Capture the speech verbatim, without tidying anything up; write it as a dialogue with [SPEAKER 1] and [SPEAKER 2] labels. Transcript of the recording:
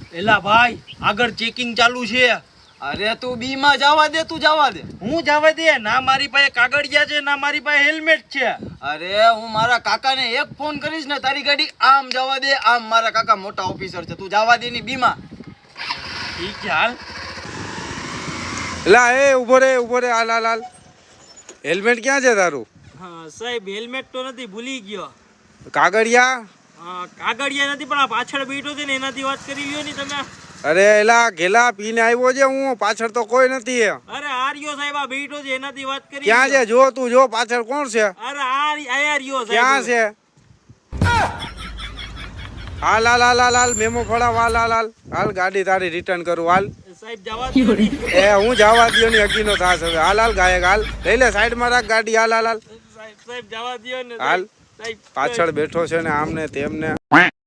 [SPEAKER 1] એલા ભાઈ આગળ ચેકિંગ ચાલુ છે.
[SPEAKER 2] અરે તું બી માં જવા દે, તું જવા દે.
[SPEAKER 1] હું જવા દે? ના મારી પાસે કાગળિયા છે ના મારી પાસે હેલ્મેટ છે.
[SPEAKER 2] અરે હું મારા કાકાને એક ફોન કરીશ ને તારી ગાડી આમ જવા દે. આમ મારા કાકા મોટા ઓફિસર છે, તું જવા દે ની બી માં.
[SPEAKER 1] ઠીક છે હાલ.
[SPEAKER 3] એલા એ ઉભો રે ઉભો રે હાલ હાલ હાલ. હેલ્મેટ ક્યાં છે તારું?
[SPEAKER 1] હા સાહેબ હેલ્મેટ તો નથી, ભૂલી ગયો.
[SPEAKER 3] કાગળિયા?
[SPEAKER 1] હા કાગળિયા નથી પણ આ પાછળ બેઠો છે ને એનાથી વાત કરી લ્યો ને તમે.
[SPEAKER 3] અરે એલા ઘેલા પીને આવ્યો છે હું, પાછળ તો કોઈ નથી.
[SPEAKER 1] અરે આર્યો સાહેબ આ બેઠો છે એનાથી વાત કરી.
[SPEAKER 3] ક્યાં છે? જો તું જો પાછળ કોણ છે?
[SPEAKER 1] અરે આ આર્યો સાહેબ.
[SPEAKER 3] ક્યાં છે? હાલ હાલ હાલ હાલ હાલ મેમો ફળાવ હાલ હાલ હાલ હાલ ગાડી તારી રિટર્ન કરું હાલ.
[SPEAKER 1] સાહેબ જવા દો ને.
[SPEAKER 3] એ હું જવા દો ની હકીનો થાસ હવે. હાલ હાલ ગાયક હાલ લઈ લે સાઈડ માં રાખ ગાડી. હાલ હાલ હાલ
[SPEAKER 1] સાહેબ સાહેબ જવા દો ને
[SPEAKER 3] હાલ.
[SPEAKER 1] સાહેબ.
[SPEAKER 3] પાછળ બેઠો છે ને આમને તેમને.